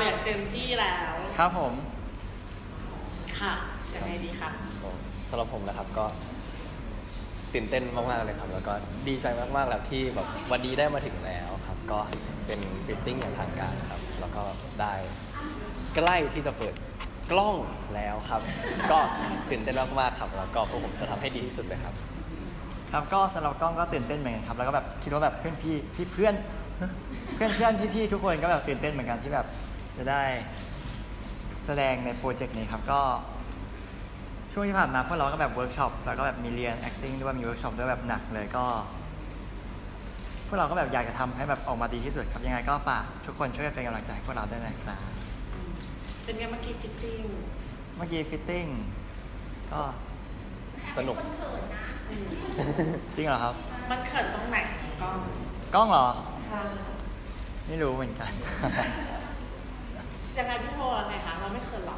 อย่างเต็มที่แล้วครับผมค่ะยังไงดีคะสำหรับผมนะครับก็ตื่นเต้นมากๆเลยครับแล้วก็ดีใจมากๆแล้วที่แบบวันนี้ได้มาถึงแล้วครับก็เป็นฟิตติ้งอย่างทางการครับแล้วก็ได้ใกล้ที่จะเปิดกล้องแล้วครับ ก็ตื่นเต้นมากๆครับแล้วก็พวกผมจะทำให้ดีที่สุดเลยครับครับก็สำหรับกล้องก็ตื่นเต้นเหมือนกันครับแล้วก็แบบคิดว่าแบบเพื่อนเพื่อนพี่ทุกคนก็แบบตื่นเต้นเหมือนกันที่แบบจะได้แสดงในโปรเจกต์นี้ครับก็ช่วงที่ผ่านมาพวกเราก็แบบเวิร์กช็อปแล้วก็แบบมีเรียน acting ด้วยมีเวิร์กช็อปด้วยแบบหนักเลยก็พวกเราก็แบบอยากจะทำให้แบบออกมาดีที่สุดครับยังไงก็ฝากทุกคนช่วยเป็นกำลังใจให้พวกเราด้วยนะครับเป็นไงเมื่อกี้ฟิตติ้งเมื่อกี้ฟิตติ้งก็สนุกอืมจริงเหรอครับมันเขินตรงไหนกล้องกล้องเหรอค่ะไม่รู้เหมือนกันยังไงพี่โทรยังไงคะเราไม่เขินหรอ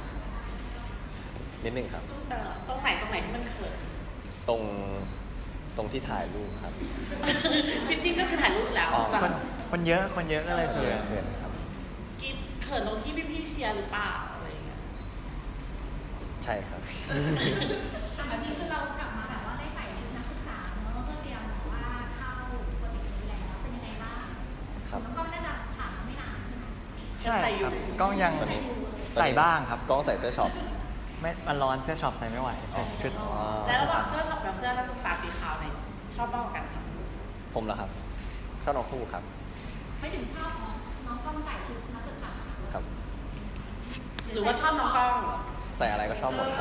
นิดนึงครับตรงไหนที่มันเขินตรงที่ถ่ายรูปครับฟิตติ้งก็คือถ่ายรูปแล้วอ๋อแต่คนเยอะก็เลยเขินครับกิ๊ดเขินตรงที่พี่ๆเชียร์หรือเปล่าอะไรอย่างเงี้ยใช่ครับแต่แบบนี้คือเรากลับมาแบบว่าได้ใส่ชุดนักศึกษาเนอะเพื่อเตรียมแบบว่าเข้าโปรเจกต์นี้แล้วเป็นยังไงบ้างครับน้องก็น่าจะผ่านมาไม่นานใช่ไหมใช่ครับกล้องยังตอนนี้ใส่บ้างครับกล้องใส่เสื้อช็อปไม่มันร้อนเสื้อช็อปใส่ไม่ไหวใส่ชุดอ๋อแล้วระหว่างเสื้อช็อปกับเสื้อนักศึกษาสีขาวเนี่ยชอบบ้างกว่ากันคะผมเหรอครับ ชอบน้องคู่ครับไม่ถึงชอบน้องต้องใส่ชุดนักศึกษาครับหรือว่าชอบน้องกล้องใส่อะไรก็ชอบหมดครับ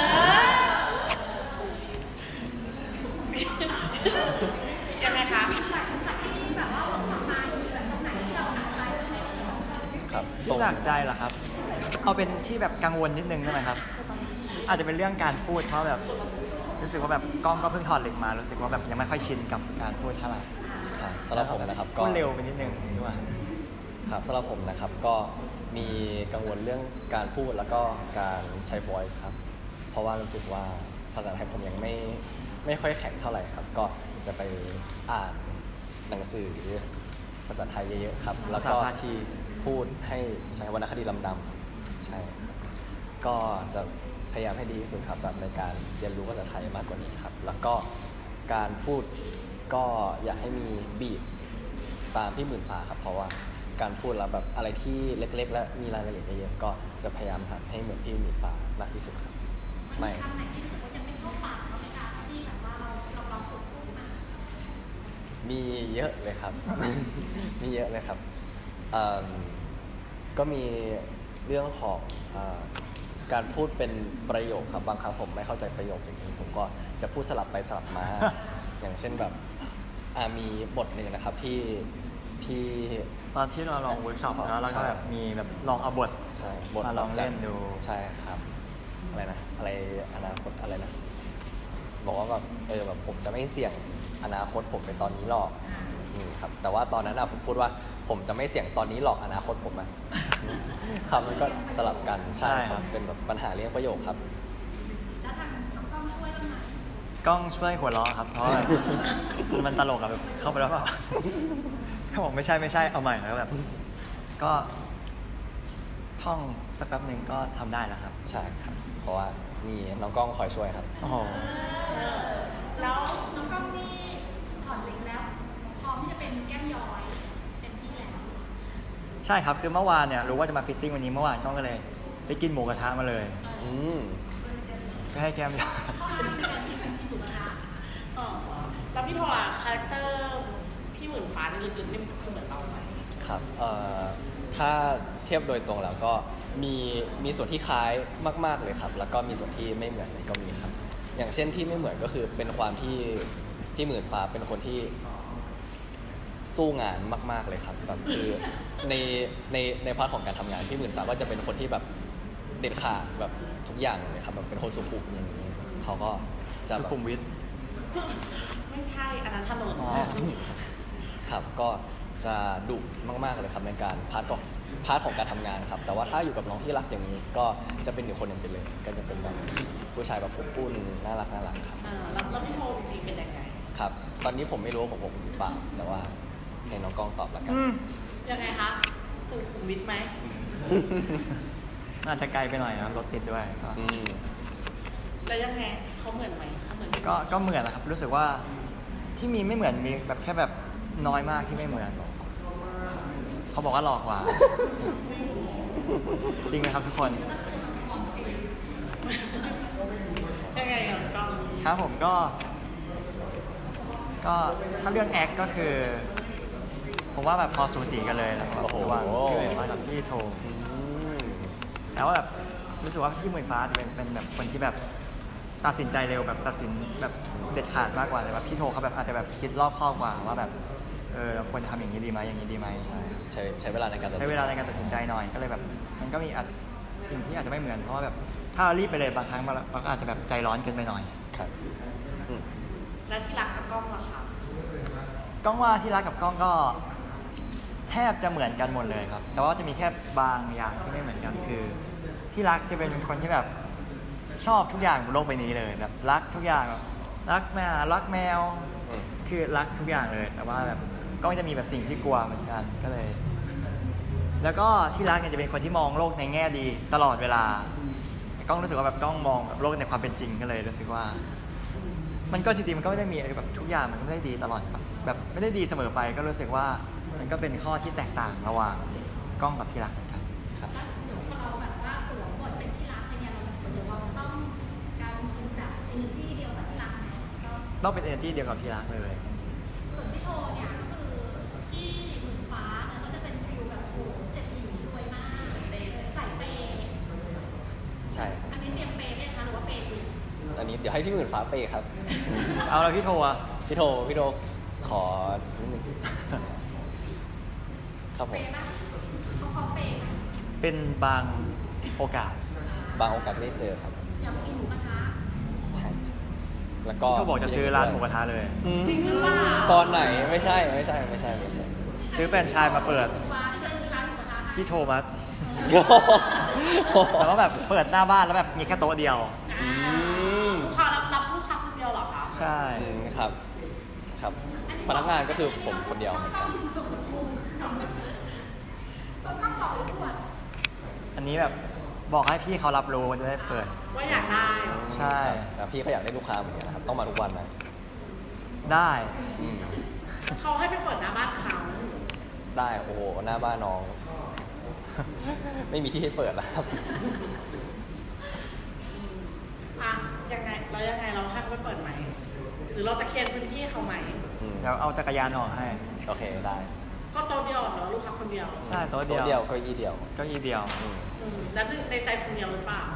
ยังไงคะจากที่แบบว่าเวิร์กช็อปมามีแบบตรงไหนที่เราหนักใจไหมครับที่หนักใจเหรอครับ เอาเป็นที่แบบกังวลนิดนึงได้ไหมครับ อาจจะเป็นเรื่องการพูดเพราะแบบรู้สึกว่าแบบกล้องก็เพิ่งถอดเหล็กมารู้สึกว่าแบบยังไม่ค่อยชินกับการพูดเท่าไหร่ครับสำหรับผมนะครับก็พูดเร็วไปนิดนึงด้วยครับสำหรับผมนะครับก็มีกังวลเรื่องการพูดแล้วก็การใช้ voice ครับ เพราะว่ารู้สึกว่าภาษาไทยผมยังไม่ค่อยแข็งเท่าไหร่ครับ ก็จะไปอ่านหนังสือภาษาไทยเยอะๆครับ แล้วก็ภาษาพาทีพูดให้ใช้วรรณคดีลำดำใช่ครับก็จะพยายามให้ดีที่สุดครับแบบในการเรียนรู้ภาษาไทยมากกว่านี้ครับ แล้วก็การพูดก็อยากให้มีบีทตามพี่หมื่นฟ้าครับ เพราะว่าการพูดแล้วแบบอะไรที่เล็กๆ และมีรายละเอียดเยอะๆก็จะพยายามทำให้เหมือนพี่หมื่นฟ้ามากที่สุดครับไม่คำไหนที่รู้สึกว่ายังไม่เข้าปากเราการที่แบบว่าเราลองฝึกพูดมามีเยอะเลยครับ มีเยอะเลยครับเอิ่มก็มีเรื่องของการพูดเป็นประโยคครับบางครั้งผมไม่เข้าใจประโยคอย่างนี้ผมก็จะพูดสลับไปสลับมา อย่างเช่นแบบมีบทหนึ่งนะครับที่ตอนที่เราลองเวิร์กช็อปแล้วเราก็แบบมีแบบลองเอาบทใช่บทมาลองเล่นดูใช่ครับอะไรนะอะไรอนาคตอะไรนะบอกว่าแบบแบบผมจะไม่เสี่ยงอนาคตผมในตอนนี้หรอกครับแต่ว่าตอนนั้นผมพูดว่าผมจะไม่เสี่ยงตอนนี้หรอกอนาคตผมอะ คำมันก็สลับกันใช่ครับเป็นแบบปัญหาเรื่องประโยคครับแล้วทางน้องกล้องช่วยบ้างไหมกล้องช่วยหัวเราะครับ เพราะว่า มันตลกอะแบบเข้าไปแล้วแบบ เขาบอกไม่ใช่เอาใหม่แล้วแบบ ก็ท่องสักแป๊บหนึ่งก็ทำได้แล้วครับใช่ครับ เพราะว่ามีน้องกล้องคอยช่วยครับโอ้โหแล้วน้องกล้องนี่ถอดเหล็กแล้วพร้อมที่จะเป็นแก้มย้อยเต็มที่แล้วใช่ครับคือเมื่อวานเนี่ยรู้ว่าจะมาฟิตติ้งวันนี้เมื่อวานกล้องก็เลยไปกินหมูกระทะมาเลยอืมก็ให้แก้มยาเข้ามาเป็นการที่เป็นที่ถูกนะคะแล้วพี่โทรคาแรคเตอร์พี่หมื่นฟ้าในลึกๆนี่คือเหมือนเราไหมครับถ้าเทียบโดยตรงแล้วก็มีส่วนที่คล้ายมากๆเลยครับ แล้วก็มีส่วนที่ไม่เหมือนเลยก็มีครับ อย่างเช่นที่ไม่เหมือนก็คือเป็นความที่พี่หมื่นฟ้าเป็นคนที่สู้งานมากๆเลยครับแบบคือในพาร์ทของการทำงานพี่หมื่นฟ้าก็จะเป็นคนที่แบบเด็ดขาดแบบทุกอย่างเลยครับแบบเป็นคนสุขุมอย่างนี้เขาก็จะสุแบบขุมวิทไม่ใช่อันนั้นถนนอ๋อครับก็จะดุมากๆเลยครับในการพาร์ทของการทำงานครับแต่ว่าถ้าอยู่กับน้องที่รักอย่างนี้ก็จะเป็นอีกคนหนึ่งไปเลย ก็จะเป็นแบบผู้ชายแบบอบอุ่นน่ารักครับแล้วพี่โทรจริงๆเป็นยังไงครับ ตอนนี้ผมไม่รู้ว่าผมอบอุ่นหรือเปล่าแต่ว่าให้น้องกล้องตอบละกันอืมยังไงคะสุขุมวิทไหมอาจจะไกลไปหน่อยครับรถติดด้วยก็อืมแล้วยังไงเขาเหมือนไหมเขาเหมือนไหมก็เหมือนนะครับรู้สึกว่าที่มีไม่เหมือนมีแบบแค่แบบน้อยมากที่ไม่เหมือนเขาบอกว่าหลอกกว่า จริงไหมครับทุกคนยังไงกับกล้องครับผมก็ถ้าเรื่องแอคก็คือ ผมว่าแบบพอสูสีกันเลยนะครับโอ้โหระหว่างพี่หมื่นฟ้ากับพี่โทอืมแต่ว่าแบบรู้สึกว่าพี่หมื่นฟ้าจะเป็นแบบคนที่แบบตัดสินใจเร็วแบบตัดสินแบบเด็ดขาดมากกว่าแต่ว่าพี่โทเขาแบบอาจจะแบบคิดรอบคอบกว่าว่าแบบเราควรทำอย่างนี้ดีไหมอย่างนี้ดีไหมใช่ครับใช้เวลาในการตัดสินใช้เวลาในการตัดสินใจหน่อยก็เลยแบบมันก็มีสิ่งที่อาจจะไม่เหมือนเพราะว่าแบบถ้าเรารีบไปเลยบางครั้งเราก็อาจจะแบบใจร้อนเกินไปหน่อยครับอืมแล้วที่รักกับกล้องล่ะคะกล้องว่าที่รักกับกล้องก็แทบจะเหมือนกันหมดเลยครับ แต่ว่าจะมีแค่บางอย่างที่ไม่เหมือนกันคือที่รักจะเป็นคนที่แบบชอบทุกอย่างบนโลกใบนี้เลยแบบรักทุกอย่างแบบรักแมวรักแมวอืมคือรักทุกอย่างเลย แต่ว่าแบบกล้องจะมีแบบสิ่งที่กลัวเหมือนกันก็เลย แล้วก็ที่รักเนี่ยจะเป็นคนที่มองโลกในแง่ดีตลอดเวลากล้องรู้สึกว่าแบบกล้องมองแบบโลกในความเป็นจริงก็เลยรู้สึกว่า มันก็จริงๆมันก็ไม่ได้มีแบบทุกอย่างมันไม่ได้ดีตลอดแบบไม่ได้ดีเสมอไปก็รู้สึกว่ามันก็เป็นข้อที่แตกต่างระหว่างกล้องกับที่รักเหมือนกันครับแล้วเดี๋ยวพอเราแบบว่าสวมบทเป็นที่รักเนี่ยเดี๋ยวเราจะต้องการเป็นแบบ energy เดียวกับที่รักไหมก็ต้องเป็น energy เดียวกับที่รักเลยส่วนพี่โทเนี่ยก็คือที่หมื่นฟ้าเนี่ยก็จะเป็นฟิลแบบโอ้โหเศรษฐีรวยมากใส่เปย์ใช่ครับอันนี้เตรียมเปย์ไหมคะหรือว่าเปย์อยู่อันนี้เดี๋ยวให้พี่หมื่นฟ้าเปย์ครับเอาแล้วพี่โทรอะพี่โทขอนิดนึงครับผเปมย์ปะเขาเปย์ไหมเป็นบางโอกาสบางโอกาสที่ได้เจอครับอยากไปกินหมูกระทะใช่ครับแล้วก็พี่โทรบอกจะซื้อร้านหมูกระทะเลยอืมจริงหรือเปล่าตอนไหนไม่ใช่ซื้อแฟรนไชส์มาเปิดฟ้าที่จะซื้อร้านหมูกระทะให้พี่โทรมาแต่ว่าแบบเปิดหน้าบ้านแล้วแบบมีแค่โต๊ะเดียวอืมลูกค้ารับลูกค้าคนเดียวเหรอคะใช่ครับ ครับพนักงานก็คือผมคนเดียวเหมือนกันต้องข้ามต่อไปขวดอันนี้แบบบอกให้พี่เขารับรู้ว่าจะได้เปิดว่าอยากได้ใช่ครับพี่ก็อยากได้ลูกค้าเหมือนกันนะครับ ต้องมาทุกวันนะได้อืมเขาให้ไปเปิดหน้าบ้านเขาได้ โอ้โห หน้าบ้านน้อง ไม่มีที่ให้เปิดแล้วครับอ่ะยังไงแล้วยังไงเราให้เขาไปเปิดไหมหรือเราจะเคลียร์พื้นที่เขาไหมอืมเดี๋ยวเอาจักรยานออกให้โอเคได้ก็โต๊ะเดียวเหรอลูกค้าคนเดียวใช่โต๊ะตัวเดีเดียยว วเก็อี้เดียวเก้าอี้เดียวอืมแล้วในใจคนเดียวหรือเปล่า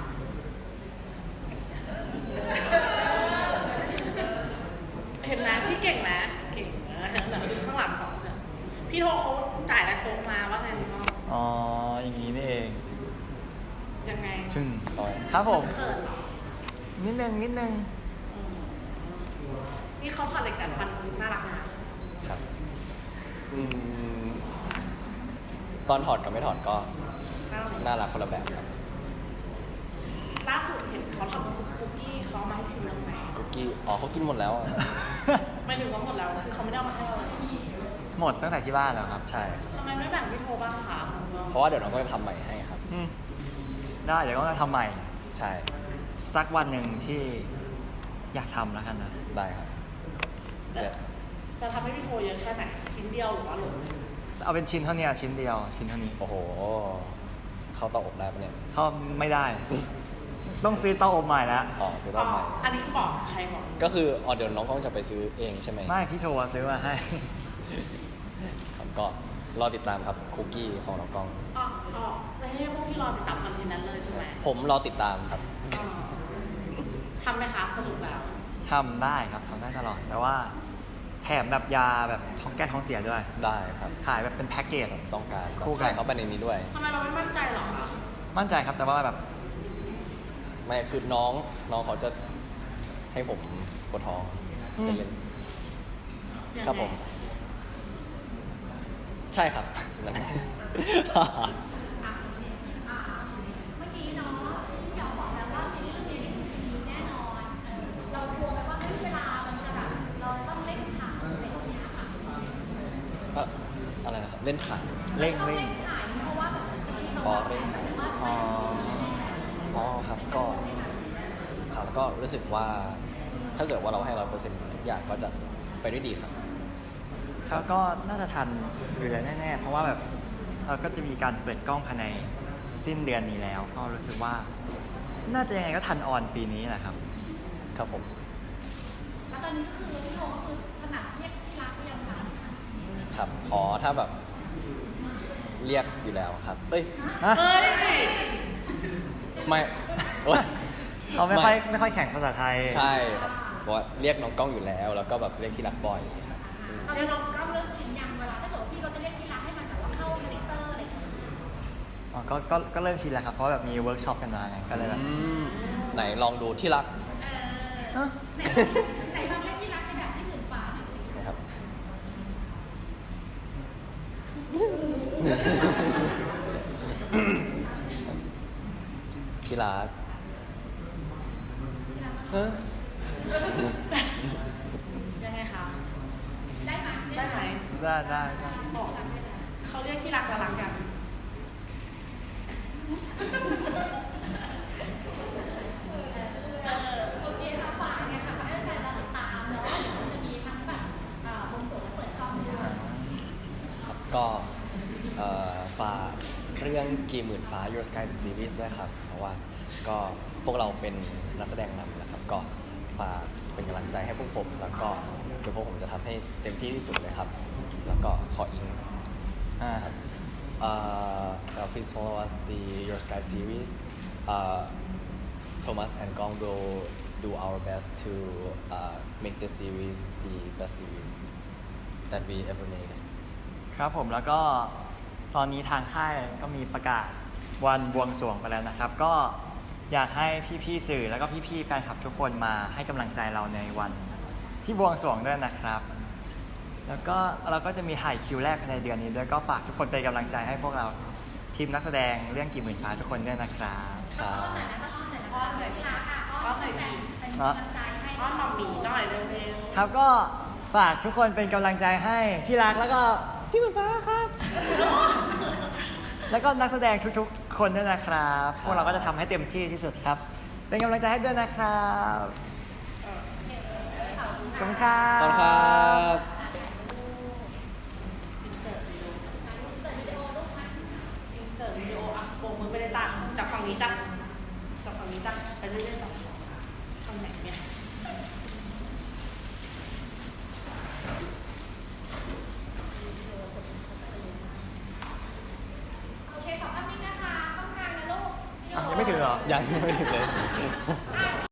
เห็นไหมพี่เก่งไหมเก่งเดี๋ยวดูข้างหลังของเนี่ยพี่โทรเขาจ่ายแล้วโต๊ะมาว่าไงพี่พ่ออ๋อ อย่างนี้นี่เองยังไงชึ่งเอาไว้ครับผมเขินเหรอนิดนึงอืมนี่เขาถอดเหล็กแต่ฟันน่ารักนะครับอืมตอนถอดกับไม่ถอดก็น่ารักน่ารักคนละแบบครับล่าสุดเห็นเขาทำคุกกี้เขาเอามาให้ชิมแล้วไหมคุกกี้ อ๋อเขากินหมดแล้วอะไม่ถึงว่าหมดแล้วคือเขาไม่ได้เอามาให้เราเลยหมดตั้งแต่ที่บ้านแล้วครับใช่ครับทำไมไม่แบ่งพี่โทรบ้างคะเพราะว่าเดี๋ยวน้องก็จะทำใหม่ให้ครับอืมได้เดี๋ยวก็จะทำใหม่ใช่สักวันหนึ่งที่อยากทำแล้วกันนะได้ครับจะจะทำให้พี่โทรเยอะแค่ไหนชิ้นเดียวหรือว่าหลงเอาเป็นชิ้นเท่านี้ชิ้นเดียวชิ้นเท่านี้โอ้โห เข้าเตาอบได้ปะเนี่ยเขาไม่ได้ ต้องซื้อเตาอบใหม่แล้วอ๋อซื้อรอบใหม่อันนี้คือบอกใครบอกก็คืออ๋อเดี๋ยวน้องกล้องจะไปซื้อเองใช่ไหมไม่พี่โทรซื้อมาให้ครับก็รอติดตามครับคุกกี้ของน้องกล้องอ๋อแล้วให้พวกพี่รอติดตามคอนเทนต์นั้นเลยใช่ไหมผมรอติดตามครับอ๋อทำไหมคะสรุปแล้วทำได้ครับทำได้ตลอด แต่ว่าแถมแบบยาแบบท้องแก้ท้องเสียด้วยได้ครับขายแบบเป็นแพ็กเกจต้องการคู่กันใส่เข้าไปในนี้ด้วยทำไมเราไม่มั่นใจหรอคะมั่นใจครับแต่ว่าแบบไม่คือน้องเขาจะให้ผมปวดท้องอืมเล่นยังไงๆครับผม ใช่ครับ นั่นอ่ะโอเคเมื่อกี้เนาะพี่อ๋อบอกแล้วว่าซีรีส์เรื่องนี้มีแน่นอนเรากลัวไหมว่าเวลามันจะแบบเราต้องเล่นถ่ายอะไรอย่างเงี้ยค่ะอะไรนะครับ เล่นถ่ายเร่งต้องเร่งเล่นถ่ายเพราะว่าแบบซีรีส์เราปอเร่งครับอ๋ออ๋อครับก็ครับแล้วก็รู้สึกว่าถ้าเกิดว่าเราให้100%ทุกอย่างก็จะไปด้วยดีครับเขาก็น่าจะทันอยู่แล้วแน่ๆ เพราะว่าแบบเราก็จะมีการเปิดกล้องภายในสิ้นเดือนนี้แล้ว ก็รู้สึกว่า น่าจะยังไงก็ทันออนปีนี้แหละครับครับผมแล้วตอนนี้ก็คือพี่โทก็คือถนัดเรียกที่รักหรือยังคะครับอ๋อถ้าแบบเรียกอยู่แล้วครับเอ้ยฮะเฮ้ยไม่โอ๊ยเขาไม่ค่อยแข่งภาษาไทยใช่ครับเพราะว่าเรียกน้องกล้องอยู่แล้ว แล้วก็แบบเรียกที่รักบ่อยครับอืมตอนนี้เราก็เริ่มชินยังเวลาถ้าเกิดว่าพี่เขาจะเรียกที่รักให้มันแบบว่าเข้าคาแรคเตอร์อะไรอย่างเงี้ยอ๋อก็เริ่มชินแล้วครับ เพราะแบบมีเวิร์กช็อปกันมาไง ก็เลยแบบไหนลองดูที่รักเออไหนลองเรียกที่รักในแบบที่หมื่นฟ้าหน่อยสินะครับ ที่รักยังไงคะได้ไหมได้ไหมได้บอกเขาเรียกที่รักและรักกันโอเคค่ะฝากเนี่ยค่ะฝากให้แฟนเราติดตามเนาะเดี๋ยวมันจะมีทั้งแบบวงสวงและเปิดกล้องด้วยครับก็ฝากเรื่องกี่หมื่นฟ้า Your Sky the Series ด้วยครับ เพราะว่าก็พวกเราเป็นนักแสดงนำนะครับ ก็ฝากเป็นกำลังใจให้พวกผม แล้วก็เดี๋ยวพวกผมจะทำให้เต็มที่ที่สุดเลยครับ แล้วก็ขออิงอ่า please follow us the Your Sky series. Thomas and Gong will do our best to make this series the best series that we ever made. ครับผมแล้วก็ตอนนี้ทางค่ายก็มีประกาศวันบวงสรวงไปแล้วนะครับ ก็อยากให้พี่ๆสื่อแล้วก็พี่ๆแฟนคลับทุกคนมาให้กำลังใจเราในวันที่บวงสรวงด้วยนะครับ แล้วก็เราก็จะมีถ่ายคิวแรกภายในเดือนนี้ด้วยก็ฝากทุกคนเป็นกำลังใจให้พวกเราทีมนักแสดงเรื่องกี่หมื่นฟ้าทุกคนด้วยนะครับครับอ้อนหน่อยที่รักอ่ะอ้อนแฟนเป็นกำลังใจให้อ้อนหมาหมีหน่อยเร็วครับก็ฝากทุกคนเป็นกำลังใจให้ที่รักแล้วก็ที่หมื่นฟ้าครับ แล้วก็นักแสดงทุกๆ คนด้วยนะครับ พวกเราก็จะทำให้เต็มที่ที่สุดครับ เป็นกำลังใจให้ด้วยนะครับขอบคุณครัขอบคุณครับ บอินเสิร์ตวิดีโออ่ะโบกมือไปเลยจ้ะจากฝั่งนี้จ้ะจากฝั่งนี้จ้ะไปเรื่อยๆต่อทำไหนเนี่ยโอเคขอบคุณนะคะต้องการนะลูกยังไม่ถึงเหรอยังไม่ถึงเลยอ่ะ